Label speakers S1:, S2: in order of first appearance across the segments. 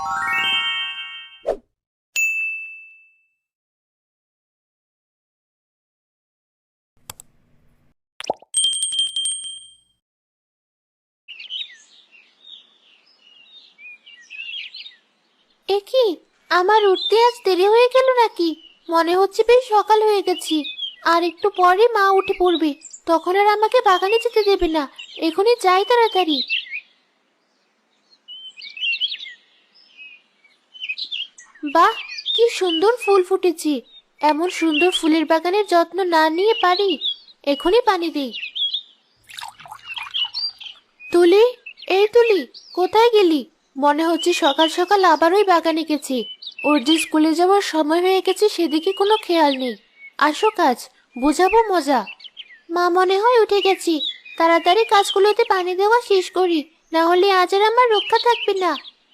S1: এ কি, আমার উঠতে আজ দেরি হয়ে গেল নাকি? মনে হচ্ছে বেশ সকাল হয়ে গেছি। আর একটু পরে মা উঠে পড়বে, তখন আর আমাকে বাগানে যেতে দেবে না। এখনই যাই তাড়াতাড়ি। বাহ, কি সুন্দর ফুল ফুটেছে! এমন সুন্দর ফুলের বাগানের যত্ন না নিয়ে পারি? এখনই পানি দেই। তুলি, এই তুলি, কোথায় গেলি? মনে হচ্ছে সকাল সকাল আবার ওই বাগানে গেছি। ওর যে স্কুলে যাওয়ার সময় হয়ে গেছে সেদিকে কোনো খেয়াল নেই। আসো কাজ, বুঝাবো মজা। মা মনে হয় উঠে গেছি। তাড়াতাড়ি কাজগুলোতে পানি দেওয়া শেষ করি, না হলে আজ আর আমার রক্ষা থাকবে না।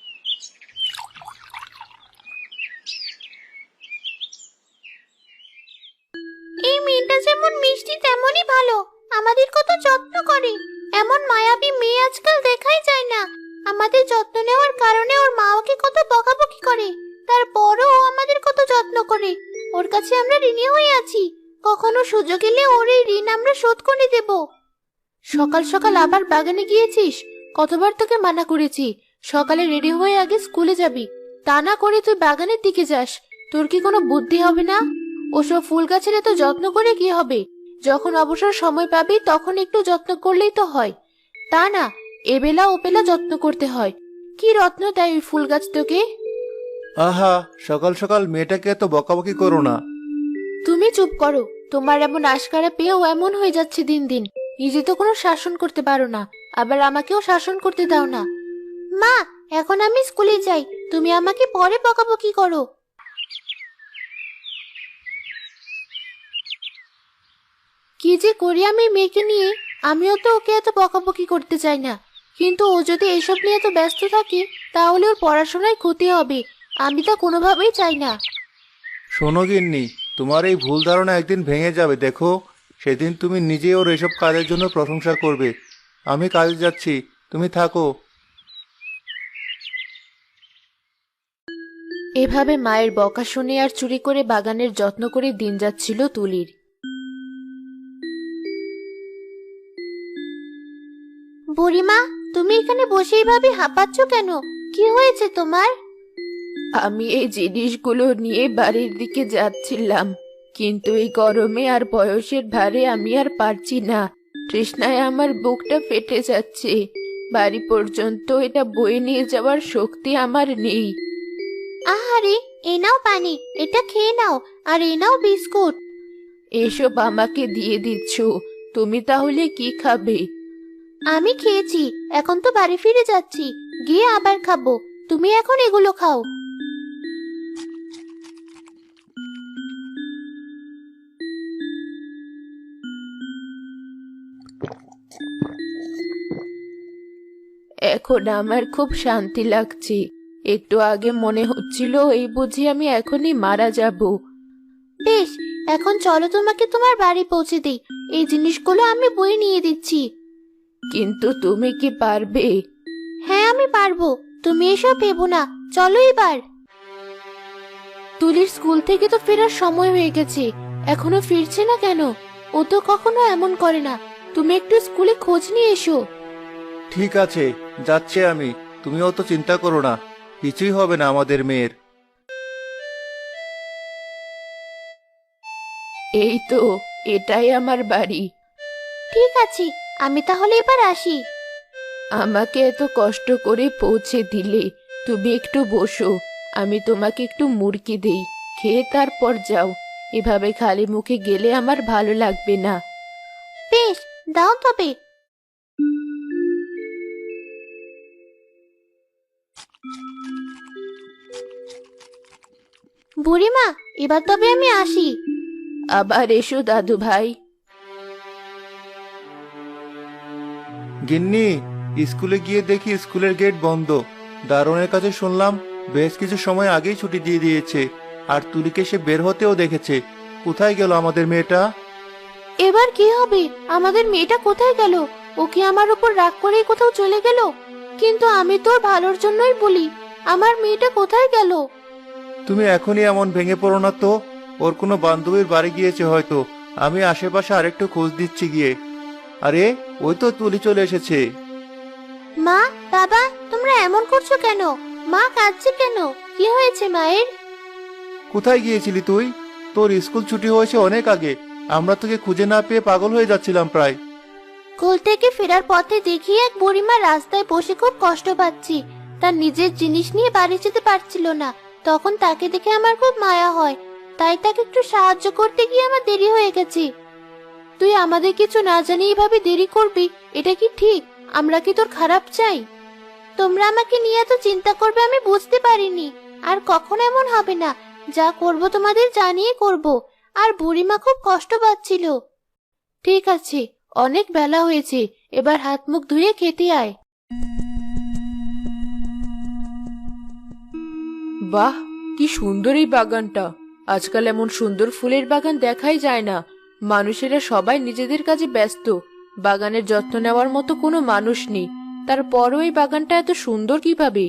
S1: এই মেয়েটা যেমন মিষ্টি তেমনই ভালো, আমাদের কত যত্ন করে। এমন মায়াবী মেয়ে আজকাল দেখাই যায় না। আমাদের যত্ন নেওয়ার কারণে ওর মা ওকে কত বকাবকি করে, তারপরও ও আমাদের কত যত্ন করে। ওর কাছে আমরা ঋণী হয়ে আছি। কখনো সুযোগ এলে ওর এই ঋণ আমরা শোধ করে দেব। সকাল সকাল আবার বাগানে গিয়েছিস? কতবার তোকে মানা করেছি সকালে রেডি হয়ে আগে স্কুলে যাবি, তা না করে তুই বাগানের দিকে যাস। তোর কি কোনো বুদ্ধি হবে না? ওসব ফুল গাছের এত যত্ন করে কি হবে? যখন অবসর সময় পাবি তখন একটু যত্ন করলেই তো হয়। তা না, এবেলা ওবেলা যত্ন করতে হয়। কি রত্ন দেয় ওই ফুল গাছ তোকে!
S2: আহা, সকাল সকাল মেয়েটাকে এত বকাবকি করো না।
S1: তুমি চুপ করো। তোমার এমন আশকারা পেয়েও এমন হয়ে যাচ্ছে দিন দিন। নিজে তো কোনো শাসন করতে পারো না, আবার আমাকেও শাসন করতে দাও না। মা, এখন আমি স্কুলে যাই, তুমি আমাকে পরে বকাবকি করো। কি যে করি আমি মেয়েকে নিয়ে! আমিও তো ওকে এত বকাবকি করতে চাই না, কিন্তু ও যদি এসব নিয়ে এত ব্যস্ত থাকে তাহলে ওর পড়াশোনায় ক্ষতি হবে। আমি তা কোনোভাবেই চাই না।
S2: শোনো গিন্নি, তোমার এই ভুল ধারণা একদিন ভেঙে যাবে দেখো। সেদিন তুমি নিজে ওর এসব কাজের জন্য প্রশংসা করবে। আমি কাজে যাচ্ছি, তুমি থাকো।
S1: এভাবে মায়ের বকা শুনে আর চুরি করে বাগানের যত্ন করে দিন যাচ্ছিল তুলির। বুড়িমা, তুমি এখানে বসে এইভাবে হাঁপাচ্ছ কেন? কি হয়েছে তোমার? আমি এই জিনিসগুলো নিয়ে বাড়ির দিকে যাচ্ছিলাম, কিন্তু এই গরমে আর বয়সের ভারে আমি আর পারছি না। তৃষ্ণায় আমার বুকটা ফেটে যাচ্ছে। বাড়ি পর্যন্ত এটা বয়ে নিয়ে যাওয়ার শক্তি আমার নেই। আহারে, এ নাও পানি, এটা খেয়ে নাও। আর এ নাও বিস্কুট। এসব আমাকে দিয়ে দিচ্ছ, তুমি তাহলে কি খাবে? আমি খেয়েছি, এখন তো বাড়ি ফিরে যাচ্ছি, গিয়ে আবার খাবো। তুমি এখন এগুলো খাও। এখন আমার খুব শান্তি লাগছে। একটু আগে মনে হচ্ছিল এই বুঝি আমি এখনই মারা যাব। বেশ, এখন চলো তোমাকে তোমার বাড়ি পৌঁছে দিই। এই জিনিসগুলো আমি বয়ে নিয়ে দিচ্ছি। কিন্তু তুমি কি পারবে? হ্যাঁ, আমি পারবো। তুমি এসব ভেবো না, চলো এবার। তুলির স্কুল থেকে তো ফেরার সময় হয়ে গেছে, এখনো ফিরছে না কেন? ও তো কখনো এমন করে না। তুমি একটু স্কুলে খোঁজ নিয়ে এসো।
S2: ঠিক আছে, যাচ্ছি আমি। তুমি অত চিন্তা করো না, কিছুই হবে না আমাদের মেয়ের।
S1: এই তো, এটাই আমার বাড়ি। ঠিক আছে, আমি তাহলে এবার আসি। আমাকে এত কষ্ট করে পৌঁছে দিলে, তুমি একটু বসো। আমি তোমাকে একটু মুড়কি দেই, খেয়ে তারপর যাও। এভাবে খালি মুখে গেলে আমার ভালো লাগবে না। বেশ, দাও তবে। বুড়িমা, এবার তবে আমি আসি। আবার এসো দাদু ভাই।
S2: গিন্নি, স্কুলে গিয়ে দেখি স্কুলের গেট বন্ধ। দারোয়ানের কাছে শুনলাম বেশ কিছু সময় আগেই ছুটি দিয়ে দিয়েছে। আর তুলিকে সে বের হতেও দেখেছে। কোথায় গেল আমাদের মেয়েটা?
S1: এবার কি হবে? আমাদের মেয়েটা কোথায় গেল? ও কি আমার উপর রাগ করেই কোথাও চলে গেল? কিন্তু আমি তোর ভালোর জন্যই বলি, আমার মেয়েটা কোথায় গেল?
S2: তুমি এখনই এমন ভেঙে পড়ো না তো। ওর কোনো বান্ধবীর বাড়ি গিয়েছে হয়তো। আমি আশেপাশে আরেকটু খোঁজ দিচ্ছি গিয়ে। আরে, ওই তো তুলি চলে এসেছে।
S1: মা, বাবা, তোমরা এমন করছো কেন? মা কাঁদছে কেন? কি হয়েছে মায়ের?
S2: কোথায় গিয়েছিলি তুই? তোর স্কুল ছুটি হয়েছে অনেক আগে। আমরা তোকে খুঁজে না পেয়ে পাগল হয়ে যাচ্ছিলাম প্রায়।
S1: স্কুল থেকে ফেরার পথে দেখি এক বুড়িমা রাস্তায় বসে খুব কষ্ট পাচ্ছি। তার নিজের জিনিস নিয়ে বাড়ি যেতে পারছিল না। তখন তাকে দেখে আমার খুব মায়া হয়, তাই তাকে একটু সাহায্য করতে গিয়ে আমার দেরি হয়ে গেছে। তুই আমাদের কিছু না জানি এভাবে দেরি করবি, এটা কি ঠিক? আমরা কি তোর খারাপ চাই? তোমরা আমাকে নিয়ে এত চিন্তা করবে আমি বুঝতে পারিনি। আর কখনো এমন হবে না। যা করব তোমাদের জানিয়ে করব। আর বুড়িমা খুব কষ্ট পাচ্ছিল। ঠিক আছে, অনেক বেলা হয়েছে, এবার হাত মুখ ধুয়ে খেতে আয়।
S3: বাহ, কি সুন্দর এই বাগানটা! আজকাল এমন সুন্দর ফুলের বাগান দেখাই যায় না। মানুষেরা সবাই নিজেদের কাজে ব্যস্ত। বাগানের যত্ন নেওয়ার মতো কোনো মানুষ নেই। তারপরও এই বাগানটা এত সুন্দর কিভাবে?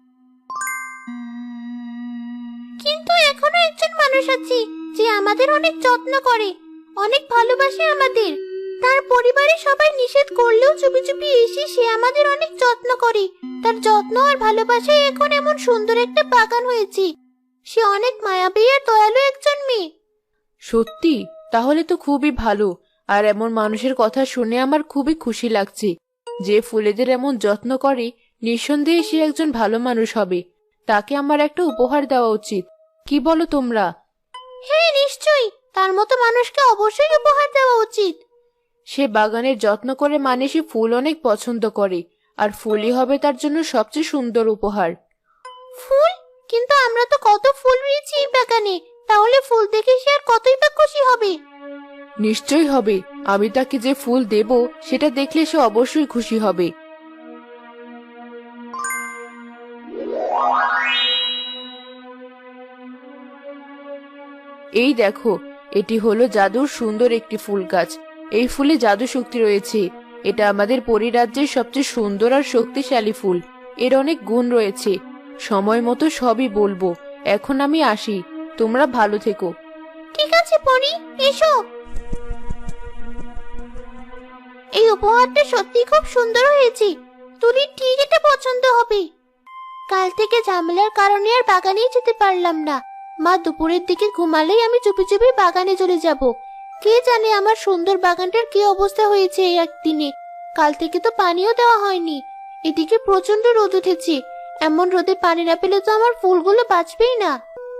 S1: কিন্তু এখনো একজন মানুষ আছে যে আমাদের অনেক যত্ন করে, অনেক ভালোবাসে আমাদের। তার পরিবারের সবাই নিষেধ করলেও চুপি চুপি এসে সে আমাদের অনেক যত্ন করে। তার যত্ন আর ভালোবাসায় এখন এমন সুন্দর একটা বাগান হয়েছে। সে অনেক মায়াবী আর দয়ালু একজন মেয়ে।
S3: সত্যি? তাহলে তো খুবই ভালো। আর এমন মানুষের কথা শুনে আমার খুবই খুশি লাগছে। যে ফুলেদের এমন যত্ন করে, নিঃসন্দেহে সে একজন ভালো মানুষ হবে। তাকে আমার একটা উপহার দেওয়া উচিত। কি বলো তোমরা?
S1: হ্যাঁ, নিশ্চয়ই, তার মতো মানুষকে অবশ্যই উপহার দেওয়া উচিত।
S3: সে বাগানের যত্ন করে মানে সে ফুল অনেক পছন্দ করে। আর ফুলই হবে তার জন্য সবচেয়ে সুন্দর উপহার।
S1: ফুল? কিন্তু আমরা তো কত ফুল রয়েছে এই বাগানে, তাহলে ফুল দেখে সে আর কতই বা খুশি হবে।
S3: নিশ্চয়ই হবে। আমি তাকে যে ফুল দেব সেটা দেখলে সে অবশ্যই খুশি হবে। এই দেখো, এটি হলো জাদুর সুন্দর একটি ফুল গাছ। এই ফুলে জাদু শক্তি রয়েছে। এটা আমাদের পরিরাজ্যের সবচেয়ে সুন্দর আর শক্তিশালী ফুল। এর অনেক গুণ রয়েছে। সময় মতো সবই বলবো। এখন আমি আসি। তোমরা ভালো থেকো।
S1: ঠিক আছে পরি, এসো। এই উপহারটা সত্যি খুব সুন্দর হয়েছে। তুলির ঠিক এটা পছন্দ হবে। কাল থেকে ঝামেলার কারণে আর বাগানেই যেতে পারলাম না। মা দুপুরের দিকে ঘুমালেই আমি চুপি চুপি বাগানে চলে যাব। কে জানে আমার সুন্দর বাগানটার কি অবস্থা হয়েছে এই একদিনে। কাল থেকে তো পানিও দেওয়া হয়নি। এদিকে প্রচন্ড রোদ উঠেছে। এমন রোদে পানি না পেলে তো আমার ফুলগুলো বাঁচবেই না।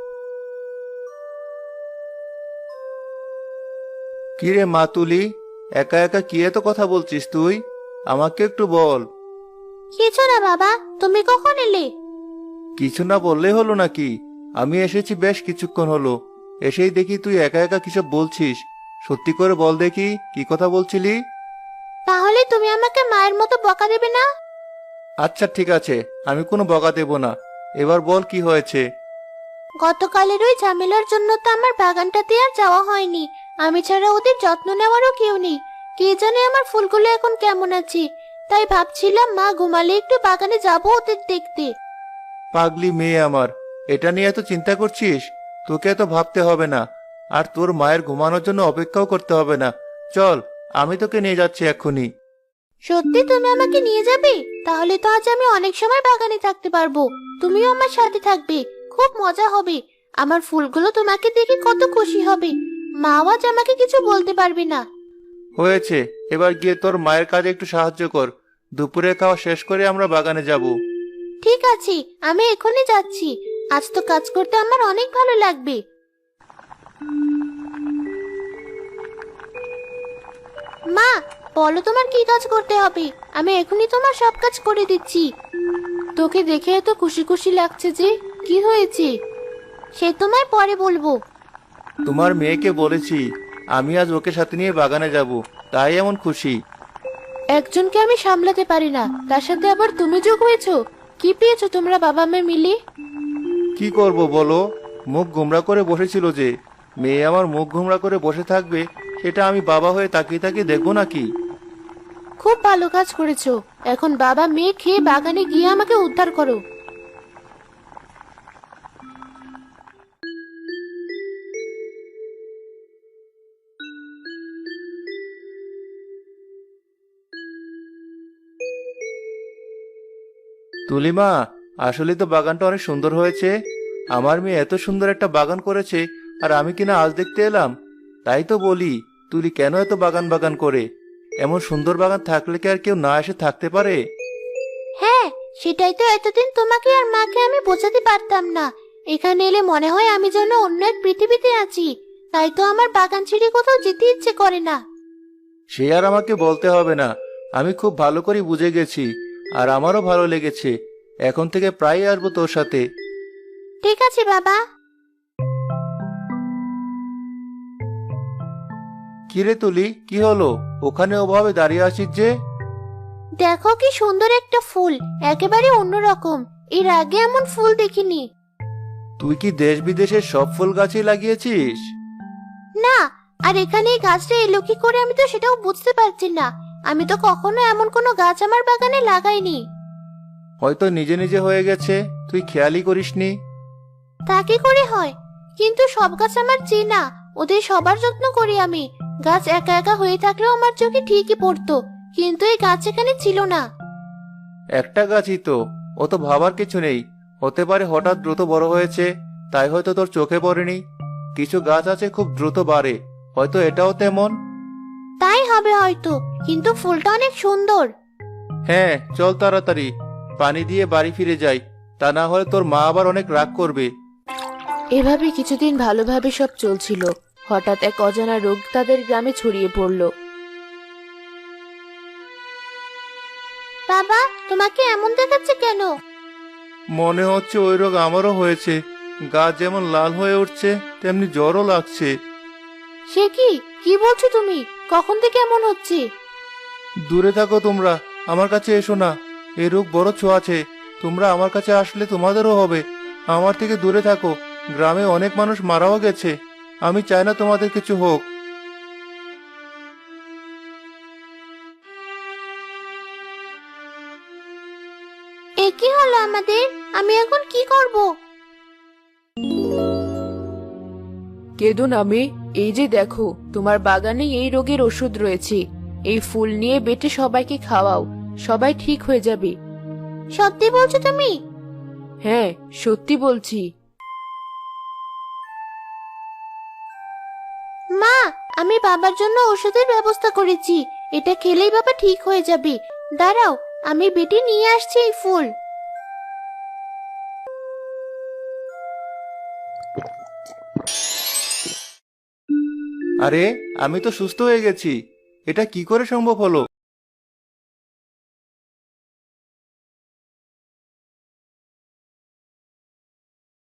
S2: কিরে মা তুলি, একা একা কি এত কথা বলছিস তুই? আমাকে একটু বল।
S1: কিছু না বাবা, তুমি কখন এলে?
S2: কিছু না বললেই হলো নাকি? আমি এসেছি বেশ কিছুক্ষণ হলো। এসেই দেখি তুই একা একা কিসব বলছিস। সত্যি করে বল দেখি, কি কথা বলছিলি?
S1: তাহলে তুমি আমাকে মায়ের মতো বকা দেবে না?
S2: আচ্ছা ঠিক আছে, আমি কোনো বকা দেব না। এবার বল কি হয়েছে।
S1: গতকালের ওই ঝামেলার জন্য তো আমার বাগানটাতে আর যাওয়া হয়নি। আমি ছাড়া ওদের যত্ন নেওয়ারও কেউ নেই। কে জানে আমার ফুলগুলো এখন কেমন আছে। তাই ভাবছিলাম মা ঘুমালে একটু বাগানে যাবো ওদের দেখতে।
S2: পাগলি মেয়ে আমার, এটা নিয়ে এত চিন্তা করছিস? তোকে এত ভাবতে হবে না। আর তোর মায়ের ঘুমানোর জন্য অপেক্ষাও করতে হবে না। চল, আমি তোকে নিয়ে যাচ্ছি এক্ষুনি।
S1: সত্যি তুমি আমাকে নিয়ে যাবে? তাহলে তো আজ আমি অনেক সময় বাগানে থাকতে পারবো। তুমিও আমার সাথে থাকবে, খুব মজা হবে। আমার ফুলগুলো তোমাকে দেখে কত খুশি হবে। মা আজ আমাকে কিছু বলতে পারবে না।
S2: হয়েছে, এবার গিয়ে তোর মায়ের কাজে একটু সাহায্য কর। দুপুরে খাওয়া শেষ করে আমরা বাগানে যাব।
S1: ঠিক আছে, আমি এখনই যাচ্ছি। আজ তো কাজ করতে আমার অনেক ভালো লাগবে। মা, বলো তোমার কি কাজ করতে হবে? আমি এখনই তোমার সব কাজ করে দিচ্ছি।
S3: তোকে দেখে এত খুশি খুশি লাগছে যে, কি হয়েছে?
S1: সে তোমায় পরে বলবো।
S2: তোমার মেয়েকে বলেছি আমি আজ ওকে সাথে নিয়ে বাগানে যাব, তাই এমন খুশি।
S3: একজনকে আমি সামলাতে পারি না, তার সাথে আবার তুমি যোগ হয়েছো। কি পেয়েছো তোমরা বাবা মেয়ে মিলে?
S2: কি করব বলো? মুখ গোমড়া করে বসেছিল যে। মেয়ে আমার মুখ গোমড়া করে বসে থাকবে, সেটা আমি বাবা হয়ে তাকিয়ে তাকিয়ে দেখবো নাকি?
S3: খুব ভালো কাজ করেছো। এখন বাবা মেয়ে খেয়ে বাগানে গিয়ে আমাকে উদ্ধার করো।
S2: তুলিমা, আসলে তো বাগানটা অনেক সুন্দর হয়েছে। আমার মেয়ে এত সুন্দর একটা বাগান করেছে, আর আমি কিনা আজ দেখতে এলাম। তাই তো বলি, তুলি কেন এত বাগান বাগান করে? এমন সুন্দর বাগান থাকলে কি আর কেউ না এসে থাকতে পারে?
S1: হ্যাঁ, সেটাই তো এতদিন তোমাকে আর মাকে আমি বোঝাতে পারতাম না। এখানে এলে মনে হয় আমি যেন অন্য এক পৃথিবীতে আছি। তাই তো আমার বাগান ছেড়ে কোথাও যেতে ইচ্ছে করে না।
S2: সে আর আমাকে বলতে হবে না, আমি খুব ভালো করে বুঝে গেছি। আর আমারও ভালো লেগেছে। এখন থেকে প্রায়ই আসবো তোর সাথে।
S1: ঠিক আছে বাবা।
S2: কিরে তুলি, কি হলো? ওখানে ওভাবে দাঁড়িয়ে আছিস যে?
S1: দেখো কি সুন্দর একটা ফুল, একেবারে অন্যরকম। এর আগে এমন ফুল দেখিনি।
S2: তুই কি দেশ বিদেশের সব ফুল গাছই লাগিয়েছিস?
S1: না, আর এখানে এই গাছটা এলো কি করে আমি তো সেটাও বুঝতে পারছি না। আমি তো কখনো এমন কোনো গাছ আমার বাগানে লাগাইনি।
S2: হয়তো নিজে নিজে হয়ে গেছে, তুই খেয়ালই করিসনি।
S1: তা কি করে হয়? কিন্তু সব গাছ আমার চেনা, ওদের সবার যত্ন করি আমি। গাছ একা একা হয়ে থাকলেও আমার চোখে ঠিকই পড়তো, কিন্তু এই গাছ এখানে ছিল না।
S2: একটা গাছই তো, ও তো ভাবার কিছু নেই। হতে পারে হঠাৎ দ্রুত বড় হয়েছে, তাই হয়তো তোর চোখে পড়েনি। কিছু গাছ আছে খুব দ্রুত বাড়ে, হয়তো এটাও তেমন।
S1: তাই হবে হয়তো, কিন্তু ফুলটা অনেক সুন্দর।
S2: হ্যাঁ, চল তাড়াতাড়ি পানি দিয়ে বাড়ি ফিরে যাই, তা না হলে তোর মা আবার অনেক রাগ করবে।
S3: এভাবে কিছুদিন ভালোভাবে সব চলছিল। হঠাৎ এক অজানা রোগ তাদের গ্রামে ছড়িয়ে পড়ল।
S1: বাবা, তোমাকে এমন দেখাচ্ছে কেন?
S2: মনে হচ্ছে ওই রোগ আমারও হয়েছে। গা যেমন লাল হয়ে উঠছে, তেমনি জ্বরও লাগছে।
S1: সে কি কি বলছো তুমি? কখন থেকে এমন হচ্ছে?
S2: দূরে থাকো তোমরা, আমার কাছে এসো না। এই রোগ বড় ছোঁয়াচে, তোমরা আমার কাছে আসলে তোমাদেরও হবে। আমার থেকে দূরে থাকো, গ্রামে অনেক মানুষ মারাও গেছে। আমি চাই না তোমাদের কিছু হোক।
S1: এ কি হলো আমাদের? আমি এখন কি করব?
S3: কেঁদো না মেয়ে, এই যে দেখো তোমার বাগানে এই রোগের ওষুধ রয়েছে। এই ফুল নিয়ে বেটে সবাইকে খাওয়াও, সবাই ঠিক হয়ে যাবে।
S1: সত্যি বলছো তুমি?
S3: হ্যাঁ, সত্যি বলছি।
S1: মা, আমি বাবার জন্য ওষুধের ব্যবস্থা করেছি। এটা খেলেই বাবা ঠিক হয়ে যাবে। দাঁড়াও, আমি বেটে নিয়ে আসছি এই ফুল।
S2: আরে, আমি তো সুস্থ হয়ে গেছি। এটা কি করে সম্ভব হলো?